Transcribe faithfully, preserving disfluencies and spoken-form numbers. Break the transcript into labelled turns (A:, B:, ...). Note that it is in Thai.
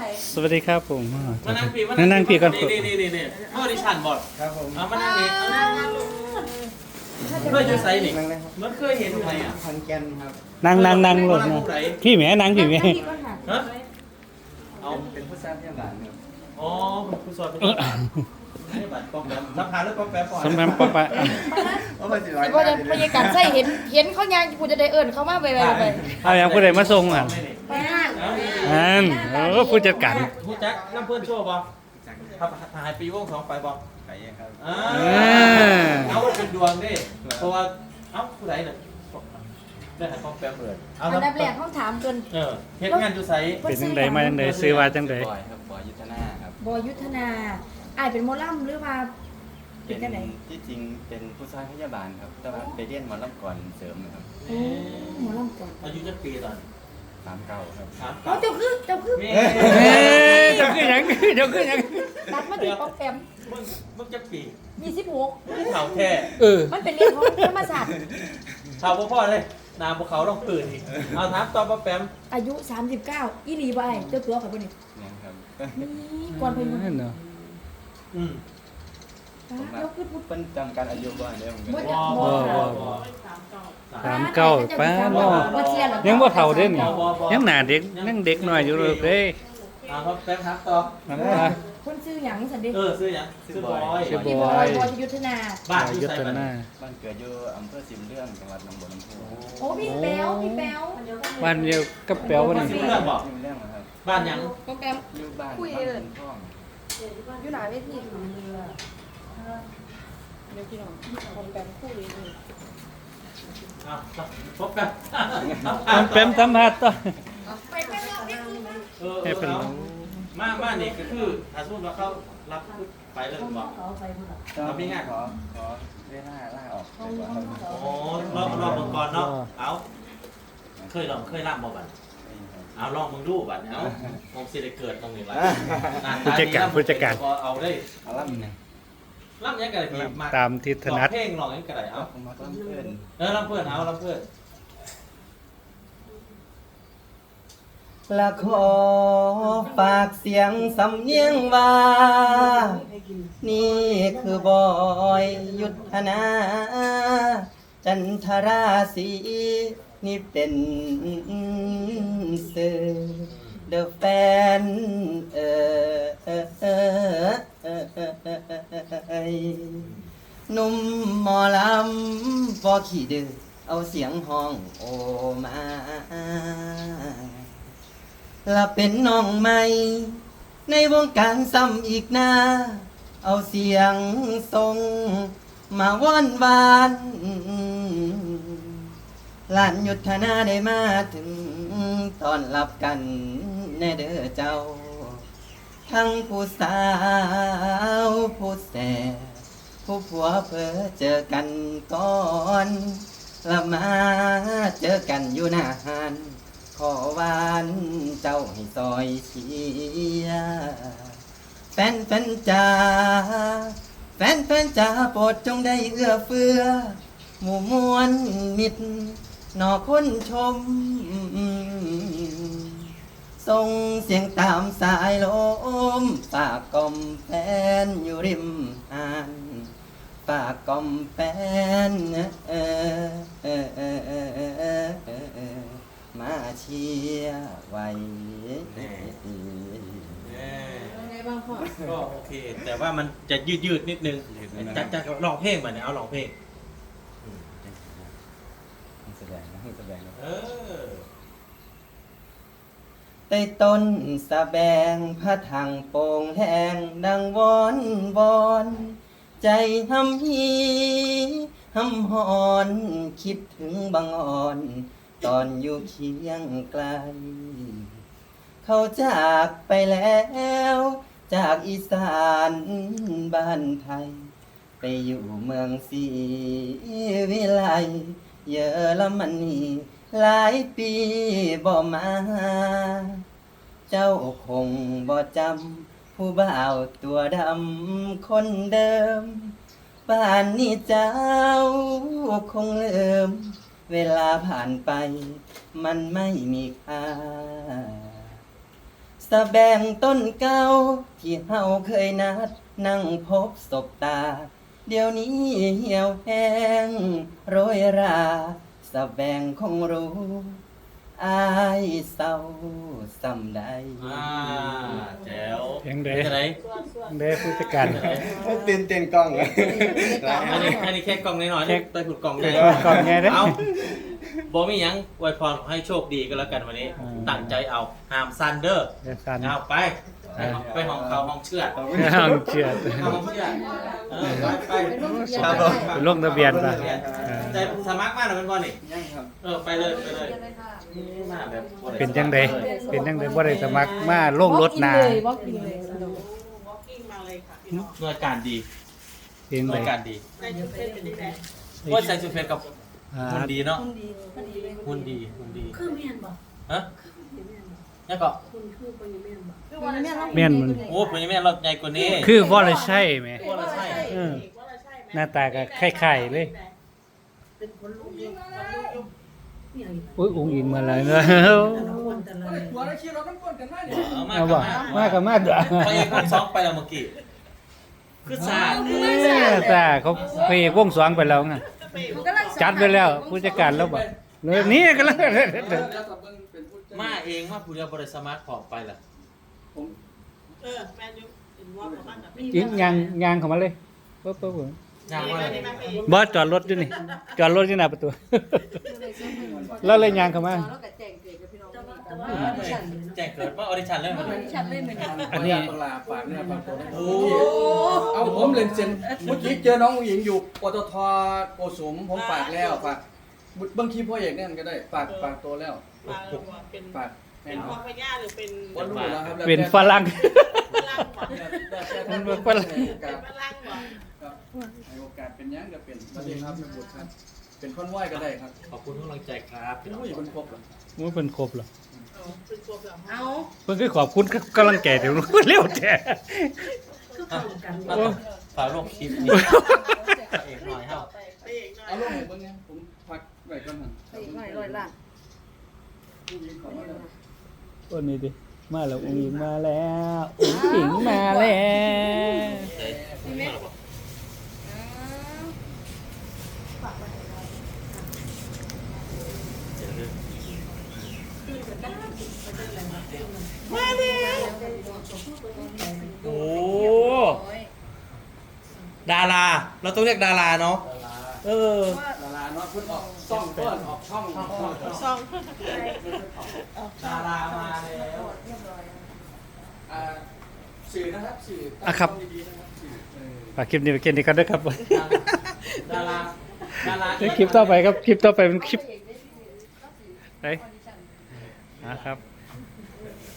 A: สวัสดีครับผม
B: มานั่งปีมา
A: นั่งนั่งปีก่อน
B: นี่นี่นี่นี่เมื่อดิฉันบอก
C: ครับผม
B: เอามานั่งนี่เอานั่งนั่งลงเมื่อจะใส่นี่มันเคยเห็นไหมอ่ะ
C: พันแกนครับ
A: นั่งนั่งนั่งรถนะพี่แหม่นั่งพี่แหม่
B: ฮะ
C: เอา
B: เอา
C: เป็นผู้สร้างที่บ้านครับ
B: อ๋อเป็นผู้สอนเป็นนี่บัตรป้องแป๊บสัมภาษณ์แล้วป้องแป๊บก่อน
A: สมพันปะปะ
C: โอ้มาสิร้อย
D: สิบ่ได้พยากรใส่เห็นเห็นเขายังกูจะได้เอิ้นเขามาไปไปไป
A: เอาอย่างผู้ใดมาส่งอ่ะ
D: ไปห้าง
A: อันเออผู้จัดการ
B: ผู้จักน้ำเพื่อนโชว์ป่ะครับหายปีวงสองไปป่ะ
C: ไปครับ
B: อ่าเอาเป็นดวงดิเพราะว่าเอ้าผู้ใดเนี่ยได้หายป้องแป๊บเลยเอา
D: อันดับแรกห้องถามเกิน
B: เออเฮ็ดงานอยู่ไส
A: เป็นจังใดมาจังใดซื้อว่าจังใด
C: บอยครับบอยยุทธนาครับ
D: บอยยุทธนาอายเป็นหมอลำหรือว่าเป็นจังได๋
C: ที่จริงเป็นผู้สร้างพยาบาลครับแต่ว่าไปเรียนหมอลำก่อนเสริมนะครับ
D: โอ้หมอลำก่อน
B: อายุจักปีตอน
C: สามเก้าครับ
B: สาม
D: โอ้เจ้าคือเจ้าคือ
B: แม่
A: เอ้ยเจ้าคือหยังเจ้าคือหยัง
D: ตัดมาที่ป๊อปแปม
B: มึงมึงจักปี
D: มีสิบหก
B: เท่าแท้
A: เออ
D: มันเป็นเรื่องของธรรมศาสตร์
B: ชาวพ่อเลยนาภูเขาต้องตื่นอีกเอาถามตอบป้าแปม
D: อายุสามสิบเก้าอีหลีบ่อ้ายเจ้าตัวเขาบ่นี่
C: เนี่ยครับ
D: นี่ก่อนเพิ่นมา
A: นั่นเนาะ
B: อืม
D: เจ้าคือพูด
C: เป็นจำการอายุบ่ได้ผมก็
D: บ่
C: เลย
D: จัก
B: บ่
D: บ่
B: บ่บ่
A: สามเก้าป้าเนาะ
D: บ่เชียร์หรอก
A: ยังบ่เฒ่าเด้นี่ยังหน้าเด็กยังเด็กน้อยอยู่เลยเด้ย
B: เอาครับแปมถามต่อ
A: นั่นล่ะ
D: คนซื้อหยังซั่นดิ
B: เออซื้อหยังซื้อบอย
A: ชื่อ
D: พี่บอยบอยยุทธนา
B: บ้านอ
A: ยุ
B: ยู่
A: ท
B: ไส
A: ธ
B: บ้าน
A: นา
C: บ้านเกิดอยู่อำเภอสิมเรื่องจังหวัดหนองบัวลำพู
D: โอ้พี่แป๊วพี่แป๊ว
A: บ้านเดียวกับแป๋วบ่นี่
B: สิเรื่องบอก
C: สิมเรื่องนะครับ
B: บ้านหยัง
D: โปรแกรม
C: อยู่บ้าน
D: คุย
C: บ้าน
D: เลย
C: คุณพ่อง
D: อยู่หลายเวทีเดี๋ยวพี่น้องโปรแกรมคุยเลย
B: เอาพบกัน
A: แปมสัมภาษณ์ต่อ
D: ไปไปรอบนี้คือมา
B: เออ
A: ให้เป็น
B: เอามามานี่ก็คือถ้าสมมติว่าเขารับไปเลยบอก
C: ก็มีงานขอขอเวลาล่าออกดีกว่าครับ
B: โอ้รอบรอบมังกรเนาะเอาเคยลองเคยล่ำบ่บัดเอาลองมึงดูบัดเอาผมสิได้เกิดตรงนี้ละ
A: ผู้จัดการผู้จัดการ
B: เอาได้
C: เอาล่ำเนี่ย
B: ล่ำยังไงดีมา
A: ตามที่ถนัด
B: เพลงลองยังไงเอา
C: ผมมาล่ำเพื่อน
B: เออล่ำเพื่อนเอาล่ำเพื่อน
C: ละขอฝากเสียงสำเนียงว่า นี่คือบอยยุทธนา จันทราศีนี่เป็นสื่อเดอะแฟนเออเออเออเออเออเออหนุ่มหมอลำบ่ขี้ดื้อเอาเสียงห้องโอมาและเป็นน้องใหม่ ในวงการซ้ำอีกนาเอาเสียงทรงมาว่อนวานหลานยุทธนาได้มาถึงตอนรับกันแน่เด้อเจ้า ทั้งผู้สาวผู้แสบผู้ผัวเพอเจอกันก่อนและมาเจอกันอยู่นานขอวานเจ้าให้ซอยเชียร์แฟนแฟนจ้าแฟนแฟนจ้าโปรดจงได้เอื้อเฟื้อหมู่มวลมิตรนอคนชมส่งเสียงตามสายลมฝากกล่อมแฟนอยู่ริมหานฝากกล่อมแฟนเออเออเออเออเออเออเออเออมาเชียร์ไว้
D: ไงบ้างพ่อ
B: ก็โอเค แต่ว่ามันจะยืดยืดๆนิดนึงจัดจัดลองเพลงมาเนี่ยเอาลองเพลง
C: แสดงนะแสดงนะ
B: เออ
C: ใต้ต้นสะแบงพระถังโป่งแหงดังวอนวอน ใจหำฮีหำหอนคิดถึงบางอ่อน ตอนอยู่เคียงไกล เขาจากไปแล้ว จากอีสานบ้านไทย ไปอยู่เมืองศรีวิไลเยอรมนีหลายปีบ่มา เจ้าคงบ่จำผู้บ่าวตัวดำคนเดิมป่านนี้เจ้าคงเลิม เวลาผ่านไปมันไม่มีค่าสะแบงต้นเก่าที่เฮาเคยนัดนั่งพบศบตา เดี๋ยวนี้เหี่ยวแห้งโรยราสะแบงคงรู้อายเศร้าสำใด
B: อ่าแจ๋ว
A: เสียงเด้
B: เป็นจังได
A: เด้ผู้จัดการ
C: เต้นเต้นกล้องเลย
B: อันนี้อันนี้แค่กล่องน้อยๆ
A: แค่
B: ไปขุดกล่องใหญ่
A: ก่อนไงเด้
B: เอาบอกมีหยังอวยพรให้โชคดีก็แล้วกันวันนี้
A: อืม
B: ตั้งใจเอาห้ามซันเดอร์
A: เดี๋ยวสั่น
B: เอาไปไปห้องเขาห้องเชือด
A: ห้องเชือด
B: ห้องเชือดเออไปไป
D: เป็นลูกเดียว
C: ครับ
D: กัน
C: ผม
A: ไปลงทะเบียนป่ะ
B: ใจสมัครมาหน่อยเป็นบอลนี่
C: ยังครับ
B: เออไปเลยไปเลยมาแบบบ่ได้
A: เป็นจังไดเป็นจังไดบ่ได้สมัครมาลงรถนา
D: เลยบอกกินเลยสนุก
B: หน่วยการดี
A: เป็น
B: ห
A: ได
B: น่วยการดี
E: ในชุดเป็นเป็นยังไง
B: ว่าใส่ชุดเพชรกับ
A: อ่า
B: หุ่นดีเนาะ
E: คุณดีคุณดีเลย
B: หุ่นดีหุ่นดี
E: คือเมียนบอก
B: ฮะ
E: คือเมียนบอก
B: นี่ก็
E: คุณคือคนยังเมียนบอก
D: คือวันนี้
A: แม่นมัน
B: โอ้เป็นยังไงเราใหญ่กว่านี้
A: คือบ่ได้ใช่แหม
B: ว่าเราใช่
A: เออ
E: ว่าเราใช่ไหม
A: หน้าตาก็คล้ายๆเลย
E: เป็นคนลูกยุบคนลูกยุบนี่อะไร
A: อุ้ยอุ้งอิงมาแล้วเนอะ
E: แต่ละคนแต่ละ
F: หัวเราคิดเราต้องกวนกันมากเนี่ย
B: เอามา
A: เอาบ่มากับมาด้วย
B: ไปเอกวงสองไปแล้วเมื่อกี้คือสาด
A: เออตาเขาไปวงสองไปแล้วไงจัดไปแล้วผู้จัดการแล้วบ่เลยนี่ก็แล้ว
F: แล้วก็เบิ่งเป็นผู้จัด
B: มาเองมาผู้เดียวบริสมาร์ทพอไปล่ะ
F: ผม
E: เออแมนยูเป็นว่าประมาณแบบ
A: ยิงยางยางเข้ามาเลยปุ๊บปุ๊บปุ๊บ
B: ยางว่าอะไร
A: บ่จอดรถอยู่นี่จอดรถอยู่หน้าประตู แล้วเลยยางเข้ามา
E: แต่ว่าแต่ว่า
B: แจ้งเกิดว่าออดิชั่นเริ่มมาเลย
D: ฉันเลยเหมือนกัน
A: อันนี้
F: ปลาฝากเนี่ยฝากตัว
B: โอ้
F: เอาผมเล่นเซนเมื่อกี้เจอน้องหญิงอยู่ปตทโกสุมผมฝากแล้วฝากบางทีพ่อเอกนั่นก็ได้ฝากฝากตัวแล้ว
E: มาเป็น
F: ฝากให้
E: เป็น
F: น้
E: พ่
F: อ
E: อง พญาหรือเป็น
F: วันรู้แล้วครับ
A: เป็นฝรั่ง
E: พลังก่อน
F: มันเป็นฝรั่งให้โอกาส
E: พลังก่อน
F: ครับให้โอกาสเป็นยังก็เป็นสวัสดีครับแม่บุตรครับ เป็นคนไหวก็ได้ครับ
B: ขอบคุณทุกกำลังใจครับ
F: เป็นผู้หญิงคนครบเหรอ
A: มันเป็นครบเหรอ
E: เป็นตัวแบบ
D: เอา
A: เพิ่นคือขอบคุณกำลังแก่เดี๋ยวเร็วแท้
E: คือเข้ากัน
B: มาต้องฝากลงคลิปนี้เอกหน่อยเฮา
E: ไปเองหน่อย
F: เอาลงให้เบิ่งไงผมพักไว้ก่อนนะ
D: ไปอีกหน่อยร้อยล้าน
F: ผู้หญิงขอมาแล้ว
A: ตัวนี้ดิมาแล้วอุ้งอิงมาแล้วอุ้งอิงมาแล้ว
B: โอ้ดาราเราต้องเรียกดาราเนาะเออ
F: ดาราเนาะเพิ่นออกซ่องเพิ่นออกช่องช่องช่อง
E: ซอง
B: ดารามาแล้ว
F: อ่าสื่อนะครับสื่อ
A: อ่ะครับ
F: ตั้งดีๆนะครับสื่อเออ
A: ฝากคลิปนี้ไปเกินดีกันด้วยครับ
B: ดาราดารา
A: เดี๋ยวคลิปต่อไปครับคลิปต่อไปเป็นคลิปไหนนะครับ